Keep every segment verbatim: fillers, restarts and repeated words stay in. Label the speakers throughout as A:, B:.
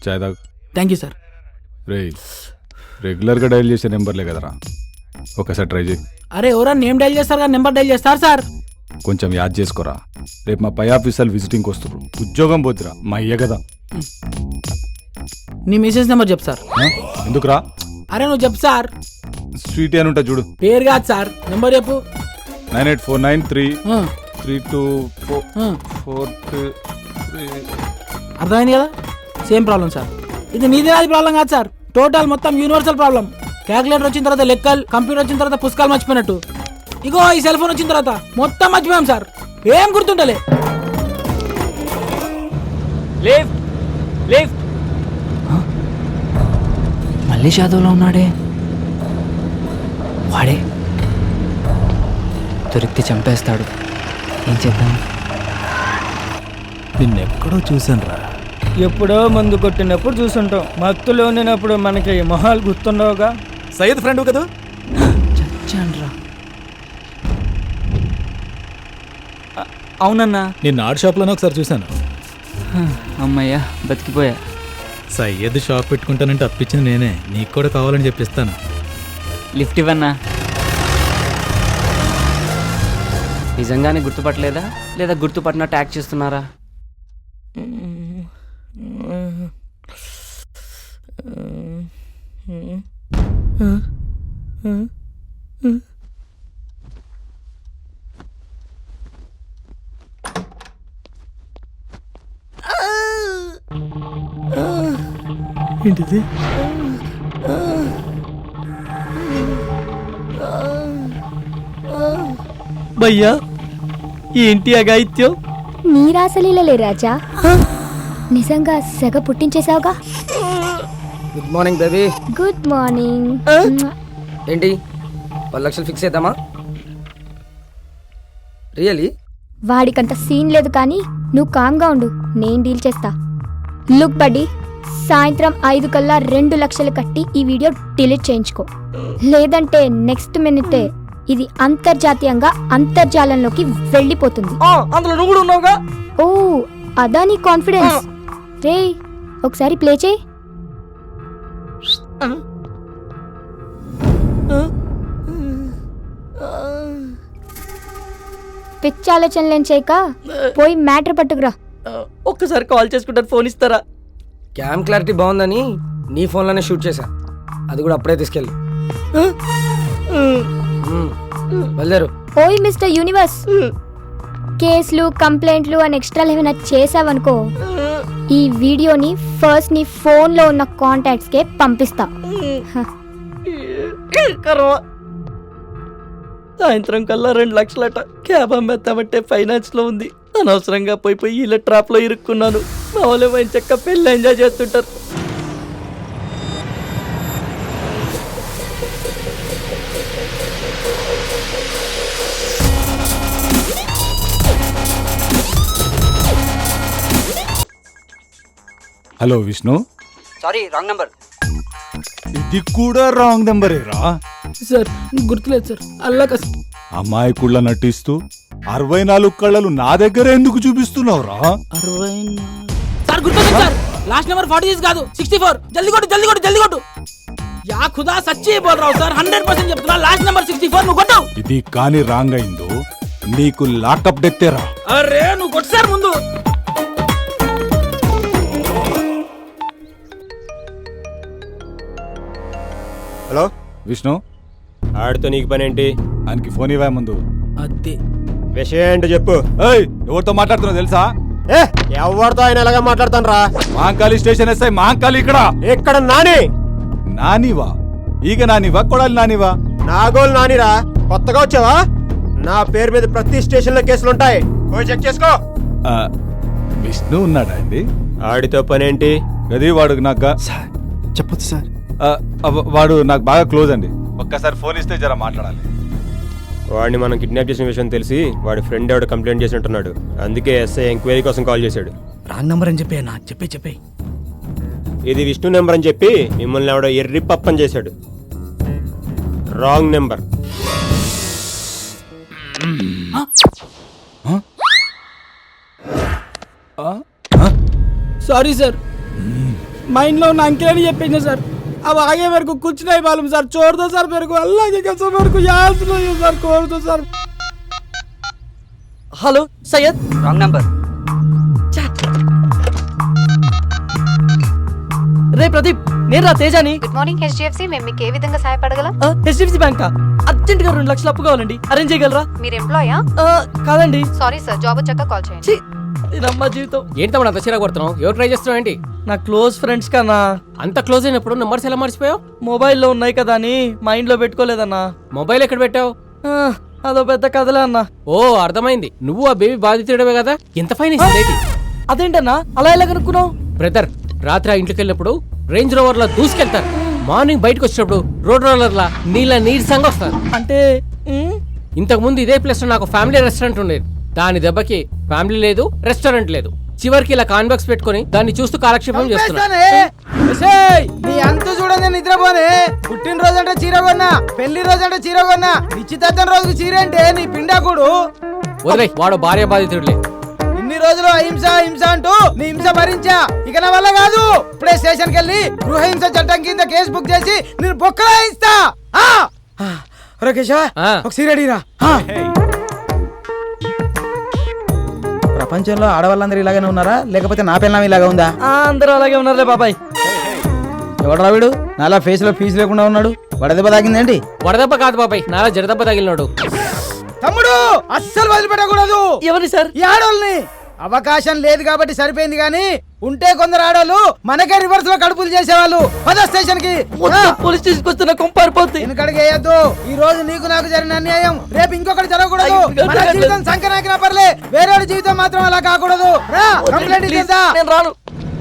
A: చాయ్ తాగు.
B: Thank you sir.
A: రే రెగ్యులర్గా dial చేసే నెంబర్లే కదరా, ఒకసారి ట్రై చేయి.
B: అరే ఎవరా నేమ్ డైల్ చేస్తారు కదా నెంబర్ డైల్ చేస్తారు సార్.
A: కొంచెం యాద్ చేసుకోరా, రేపు మా పై ఆఫీసర్లు విజిటింగ్కి వస్తారు, ఉద్యోగం పోతురా మా అయ్య కదా.
B: నీ మెసేజ్ నెంబర్ చెప్పు సార్.
A: ఎందుకురా?
B: అరే నువ్వు చెప్పు సార్.
A: స్వీట్ అని ఉంటా చూడు.
B: పేరు కాదు సార్, నెంబర్ చెప్పు.
A: Nine eight four nine three three two four four three.
B: అర్థమైంది కదా, సేమ్ ప్రాబ్లం సార్. ఇది నీది నాది ప్రాబ్లం కాదు సార్, టోటల్ మొత్తం యూనివర్సల్ ప్రాబ్లం. క్యాలిక్యులేటర్ వచ్చిన తర్వాత లెక్కలు, కంప్యూటర్ వచ్చిన తర్వాత పుస్తకాలు మర్చిపోయినట్టు ఇగో ఈ సెల్ ఫోన్ వచ్చిన తర్వాత మొత్తం మర్చిపోయాం సార్, ఏం గుర్తుంటలే.
C: Lift lift. మళ్ళీ షాదోలో ఉన్నాడే వాడే. దొరికితే చంపేస్తాడు, ఏం చేద్దాం?
D: నిన్నెక్కడో చూసాను రా.
E: ఎప్పుడో మందు కొట్టినప్పుడు చూసుంటాం, మత్తులో ఉండినప్పుడు మనకి మొహాలు గుర్తుండవుగా.
D: సయ్యద్ ఫ్రెండ్ కదా?
C: చచ్చాన్రా. అవునన్నా,
D: నిన్న ఆర్ట్ షాప్లోనే ఒకసారి చూశాను.
C: అమ్మయ్యా బతికిపోయా.
D: సయ్యద్ షాప్ పెట్టుకుంటానంటే అప్పించింది నేనే, నీకు కూడా కావాలని చెప్పిస్తాను.
C: లిఫ్ట్ ఇవ్వన్నా. నిజంగానే గుర్తుపట్టలేదా లేదా గుర్తుపట్టినట్టు యాక్ట్ చేస్తున్నారా?
B: ఏంటిది?
E: భయ్యా ఏంటి అగాయిత్యం?
F: నీ రాసలీలలే రాజా, నిజంగా సెగ పుట్టించేసావుగా.
G: Good morning baby.
F: Good morning.
G: ఏంటి పది లక్షలు ఫిక్స్ చేద్దామా? రియలీ?
F: వాడికంత సీన్ లేదు కానీ నువ్వు కామ్గా ఉండు, నేను డీల్ చేస్తా. లుక్ బడ్డీ, సాయంత్రం ఐదు కల్లా రెండు లక్షలు కట్టి ఈ వీడియో డిలీట్ చేయించుకో, లేదంటే నెక్స్ట్ మినిటే ఇది అంతర్జాతీయంగా అంతర్జాలంలోకి వెళ్ళిపోతుంది.
E: అందులో నువ్వు కూడా ఉన్నావుగా.
F: ఓ అదా నీ కాన్ఫిడెన్స్? రే ఒకసారి ప్లే చేయి. పిచ్చి ఆలోచనలేం చేయక పోయి మ్యాటర్ పట్టుకురా.
E: ఒక్కసారి కాల్ చేసుకుంటారు, ఫోన్ ఇస్తారా?
G: క్యామ్ క్లారిటీ బాగుందని నీ ఫోన్లోనే షూట్ చేశా, అది కూడా అప్పుడే తీసుకెళ్ళి వెళ్ళారు.
F: ఓయ్ మిస్టర్ యూనివర్స్, కేసులు కంప్లైంట్లు అని ఎక్స్ట్రా ఏమైనా చేసావనుకో, ఈ వీడియోని ఫస్ట్ నీ ఫోన్ లో ఉన్న కాంటాక్ట్స్ కే పంపిస్తా.
E: సాయంత్రం కల్లా రెండు లక్షలట. క్యాబ్ అమ్మేస్తామంటే ఫైనాన్స్ లో ఉంది, అనవసరంగా పోయి పోయి ఇలా ట్రాప్ లో ఇరుక్కున్నాను. మా వాళ్ళు మంచి చక్క పెళ్ళి ఎంజాయ్ చేస్తుంటారు.
A: Hello Vishnu.
G: Sorry wrong number.
A: ఇది కూడా రాంగ్ నెంబరేరా?
B: సార్ గుర్తులేదు సార్, అల్లా కస్.
A: అమాయకుళ్ళ నటిస్తూ అరవై నాలుగు కళ్ళలు నా దగ్గర ఎందుకు చూపిస్తున్నావురా?
B: అరవై సార్ గుర్తుంది sir, last number forty six కాదు సిక్స్టీ ఫోర్. జల్దీ కొట్టు జల్దీ కొట్టు జల్దీ కొట్టు. యా ఖుదా సచ్చి బోల్ రావు సార్, హండ్రెడ్ పర్సెంట్ చెప్తున్నా, లాస్ట్ నెంబర్ సిక్స్టీ ఫోర్. నువ్వు కొట్టు.
A: ఇది కానీ రాంగ్ అయిందో నీకు లాకప్ డెత్తేరా.
B: అరే నువ్వు కొట్టు సార్ ముందు.
H: హలో
A: విష్ణు,
H: ఆడితో నీకు పని ఏంటి?
A: ఆయనకి ఫోన్ ఇవ్వా ముందు.
B: అదే
H: విషయం ఏంటో చెప్పు.
A: ఏయ్ ఎవరితో మాట్లాడుతున్నావు తెలుసా?
H: ఏ ఎవరితో ఆయన ఎలాగా మాట్లాడతాను రా?
A: మహంకాళి స్టేషన్ ఎస్ఐ మహంకాళి ఇక్కడ.
H: ఇక్కడ నాని.
A: నానివా? ఈగ నానివా కొడాలి నానివా?
H: నాగోలు నానిరా, కొత్తగా వచ్చావా? నా పేరు మీద ప్రతి స్టేషన్ లో కేసులుంటాయి, పోయి చెక్ చేసుకో.
A: ఆ, విష్ణు ఉన్నాడా అండి?
H: ఆడితో పని ఏంటి?
A: గది వాడు నాకు
D: చెప్పొచ్చు సార్.
A: వాడు నాకు బాగా క్లోజ్ అండి, ఒక్కసారి ఫోన్ ఇస్తే జర మాట్లాడాలి.
H: వాడిని మనం కిడ్నాప్ చేసిన విషయం తెలిసి వాడి ఫ్రెండ్ ఎవడు కంప్లైంట్ చేసినట్టున్నాడు, అందుకే ఎస్ఐ ఎంక్వైరీ కోసం కాల్ చేశాడు.
D: రాంగ్ నెంబర్ అని చెప్పి నా చెప్పే చెప్పే
H: ఇది విష్ణు నెంబర్ అని చెప్పి మిమ్మల్ని ఎవడో ఎర్రి పప్పని చేశాడు. Wrong number.
B: సారీ సార్, మా ఇంట్లో ఉన్న అంకిల్ అని చెప్పింది సార్ अब आगे मेरे को कुछ नहीं मालूम सर छोड़ दो सर मेरे को अल्लाह की कसम मेरे को याद नहीं है सर छोड़ दो sir
E: hello Syed
G: wrong number.
E: రే ప్రదీప్ నేను రా తేజాని.
I: గుడ్ మార్నింగ్ హెచ్డిఎఫ్సి మేము మీకు ఏ విధంగా సహాయపడగలం?
E: హెచ్డిఎఫ్సి బ్యాంక్ అర్జెంట్ గా రెండు లక్షలు అప్పు కావాలండి, అరేంజ్ చేయగలరా?
I: మీరు ఎంప్లాయా?
E: ఆ, కాదండి.
I: సారీ సార్ జాబ్ వచ్చాక కాల్ చేయండి.
E: ఛీ, ఇదమ్మా జీవితం.
G: ఏంటి తమ్ముడు అంత చిరాకు కొడుతున్నావు? ఎవరు ట్రై చేస్తున్నావు ఏంటి?
E: నా క్లోజ్ ఫ్రెండ్స్ కన్నా
G: అంత క్లోజ్ అయినప్పుడు నెంబర్స్ ఎలా మర్చిపోయావు?
E: మొబైల్లో ఉన్నాయి కదా అని మైండ్ లో పెట్టుకోలేదన్నా.
G: మొబైల్ ఎక్కడ పెట్టావు?
E: ఆ, అదో పెద్ద కథలే అన్నా.
G: ఓ అర్థమైంది, నువ్వు ఆ బేబీ బాధితుడవే కదా. ఎంత ఫైన్ ఇస్తుంది?
E: అదేంటన్నా అలా ఎలా కనుక్కున్నావు?
G: బ్రదర్, రాత్రి ఆ ఇంట్లోకి వెళ్ళినప్పుడు రేంజ్ రోవర్ లా దూసుకెళ్తారు, మార్నింగ్ బయటకు వచ్చినప్పుడు రోడ్ రోలర్ లా నీళ్ళ నీరసంగా వస్తారు.
E: అంటే ఉమ్,
G: ఇంతకు ముందు ఇదే ప్లేస్ లో నాకు ఫ్యామిలీ రెస్టారెంట్ ఉండేది. దాని దెబ్బకి ఫ్యామిలీ లేదు, రెస్టారెంట్ లేదు. చివరికి ఇలా కాన్బాక్స్ పెట్టుకుని దాన్ని చూస్తూ కాలక్షేపం చేస్తున్నాను.
B: నీ అంత చూడండి నిద్రపోనే. పుట్టినరోజు అంటే చీర కొన్నా, పెళ్లి రోజు అంటే చీర కొన్నా, నిశ్చితార్థం రోజుకి చీర అంటే నీ పిండాకుడు.
G: వదిలే, వాడు భార్య బాధితుడులే.
B: ఇన్ని రోజులు అహింస హింస అంటూ నీ హింస భరించా, ఇక నా వల్ల కాదు. ఇప్పుడే స్టేషన్ కి వెళ్ళి గృహహింస చట్టం కింద కేసు బుక్ చేసి నేను బొక్కలా ఇస్తా. కేశవ
G: ఆ.
B: ఒక సీర అడిగిరా. ప్రపంచంలో ఆడవాళ్ళందరూ ఇలాగనే ఉన్నారా, లేకపోతే నా పిల్లం ఇలాగా ఉందా?
E: ఆ, అందరూ అలాగే ఉన్నారులే బాబాయ్.
B: ఎవడరా వీడు నాలా ఫేస్ లో ఫీజు లేకుండా ఉన్నాడు? వడదెబ్బ తాగిందేంటి?
G: వడదెబ్బ కాదు బాబాయ్, నాలా జడదెబ్బ తగిలినాడు.
B: తమ్ముడు అస్సలు వదిలిపెట్టకూడదు
E: ఎవరి సార్?
B: ఈ ఆడోళ్ళని. అవకాశం లేదు కాబట్టి సరిపోయింది, గానీ ఉంటే కొందరు ఆడోళ్ళు మనకే రివర్స్ లో కడుపులు చేసేవాళ్ళు. పద స్టేషన్ కి.
E: మొత్తం పోలీస్ స్టేషన్ వస్తున్న కొంపారిపోద్ది.
B: వెనకడికి వేయద్దు. ఈ రోజు నీకు నాకు జరిగిన అన్యాయం రేపు ఇంకొకటి జరగకూడదు.
E: అయ్యో,
B: మన జీవితం సంకనాకినా పర్లే, వేరే జీవితం మాత్రం అలా కాకూడదు. రా కంప్లైంట్ ఇచ్చేద్దా.
E: నేను రాను.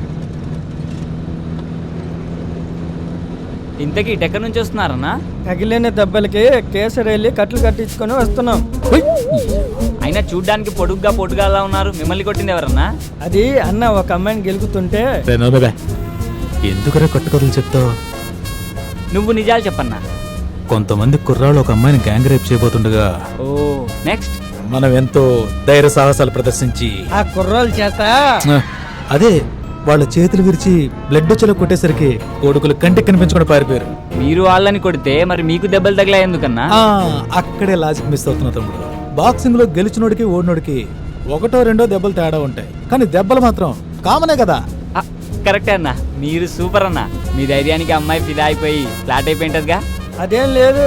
C: ఇంతకీ ఇటు ఎక్కడి నుంచి వస్తున్నారన్నా?
E: తగిలిన దెబ్బలకి కేసరి వెళ్ళి కట్లు కట్టించుకొని వస్తున్నాం.
C: అయినా చూడ్డానికి పొడుగ్గా పొడుగా అలా ఉన్నారు, మిమ్మల్ని కొట్టింది ఎవరన్నా?
E: అది అన్న ఒక అమ్మాయిని గెలుకుతుంటే
D: ఎందుకురా కట్టుకథలు చెప్తావు?
C: నువ్వు నిజాలు చెప్పన్నా.
D: కొంతమంది కుర్రాళ్ళు ఒక అమ్మాయిని గ్యాంగ్ రేప్ చేయబోతుండగా
C: ఓ నెక్స్ట్
D: మనం ఎంతో ధైర్య సాహసాలు ప్రదర్శించి
E: ఆ కుర్రాల చేత
D: ఆ, అదే వాళ్ళ చేతులు విరిచి బ్లడ్ వచ్చేలా కొట్టేసరికి కొడుకులు కంటికి కనిపించకుండా పారిపోయారు.
C: మీరు వాళ్ళని కొడితే మరి మీకు దెబ్బలు తగిలా ఎందుకన్నా?
D: ఆ, అక్కడే లాజిక్ మిస్ అవుతున్నా తమ్ముడు. బాక్సింగ్ లో గెలిచినోడికి ఓడినోడికి ఒకటో రెండో దెబ్బలు తేడా ఉంటాయి, కానీ దెబ్బలు మాత్రం కామనే కదా.
C: ఆ, కరెక్టే అన్నా, మీరు సూపర్ అన్నా. మీ ధైర్యానికి అమ్మాయి ఫిదా అయిపోయి ఫ్లాట్ అయిపోయింటదిగా.
E: అదేం లేదు.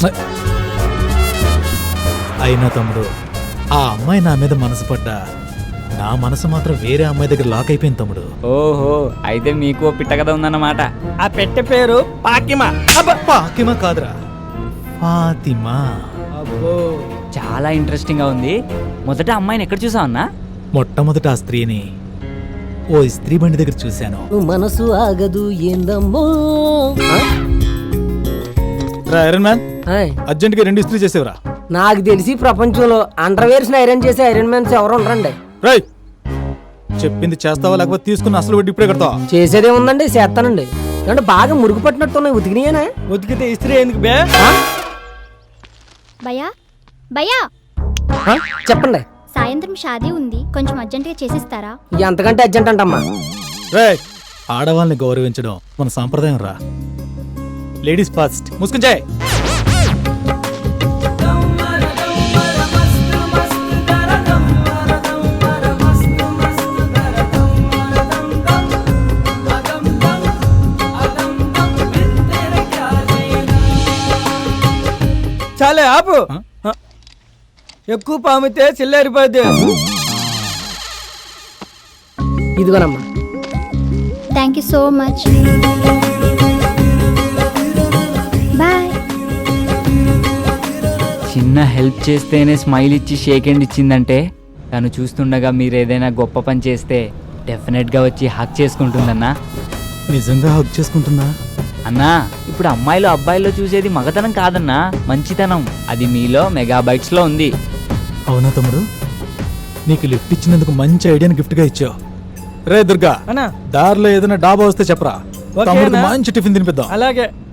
D: అయినా తమ్ముడు, ఆ అమ్మాయి నా మీద మనసు పడ్డా నా మనసు మాత్రం వేరే అమ్మాయి దగ్గర లాక్ అయిపోయింది తమ్ముడు.
C: ఓహో, అయితే మీకు ఓ పిట్ట కథ ఉందన్నమాట.
E: ఆ పెట్టె పేరు పాకిమా.
D: ఫాతిమా కాదురా, ఫాతిమా.
E: అబ్బో,
C: చాలా ఇంట్రెస్టింగ్ గా ఉంది. మొదట అమ్మాయిని ఎక్కడ చూసావు అన్నా?
D: మొట్టమొదట ఆ స్త్రీని ఓ స్త్రీ బండి దగ్గర చూశాను.
E: మనసు ఆగదు ఏందమ్మో.
D: ఐరన్ మ్యాన్, అర్జెంట్ గా రెండు ఇస్త్రీ చేసేవరా.
G: నాకు తెలిసి ప్రపంచంలో అండర్వేర్స్ ఐరన్ చేసే ఐరన్ మ్యాన్స్ ఎవరు ఉండరండి.
D: రై, చెప్పింది చేస్తావా లేకపోతే తీసుకున్న అసలు వడ్డీ ఇప్పుడే కడతావా?
G: చేసేదే ఉందండి, చేస్తానండి. అంటే బాగా మురుగు పట్టినట్టున్నాయి, ఉతికినాయేనా?
E: ఉతికితే ఇస్త్రీ ఎందుకు బే?
F: భయా భయా
G: చెప్పండి.
F: సాయంత్రం షాదీ ఉంది, కొంచెం అర్జెంటుగా చేసిస్తారా?
G: ఎంతకంటే అర్జెంట్ అంటమ్మా.
D: రే, ఆడవాళ్ళని గౌరవించడం మన సాంప్రదాయం రా. Ladies first. ముసుకుంచాయ్.
E: చాలే ఆపు. ఎక్కువ పామితే చిల్లారిపోద్ది.
G: ఇదిగోనమ్మా.
F: Thank you so much. Bye.
C: చిన్న హెల్ప్ చేస్తేనే స్మైల్ ఇచ్చి షేక్ హ్యాండ్ ఇచ్చిందంటే తను చూస్తుండగా మీరు ఏదైనా గొప్ప పని చేస్తే డెఫినెట్గా వచ్చి హక్ చేసుకుంటుందన్నా.
D: నిజంగా హక్ చేసుకుంటుందా?
C: అన్నా, ఇప్పుడు అమ్మాయిలు అబ్బాయిల్లో చూసేది మగతనం కాదన్నా, మంచితనం. అది మీలో మెగాబైట్స్ లో ఉంది.
D: అవునా తమ్ముడు, నీకు లిఫ్ట్ ఇచ్చినందుకు మంచి ఐడియాని గిఫ్ట్ గా ఇచ్చావు. రే దుర్గా,
E: అన్నా
D: దారిలో ఏదైనా డాబా వస్తే చెప్పరా,
E: ఓకేనా?
D: తమ్ముడికి మంచి టిఫిన్ తినిపిద్దాం.
E: అలాగే.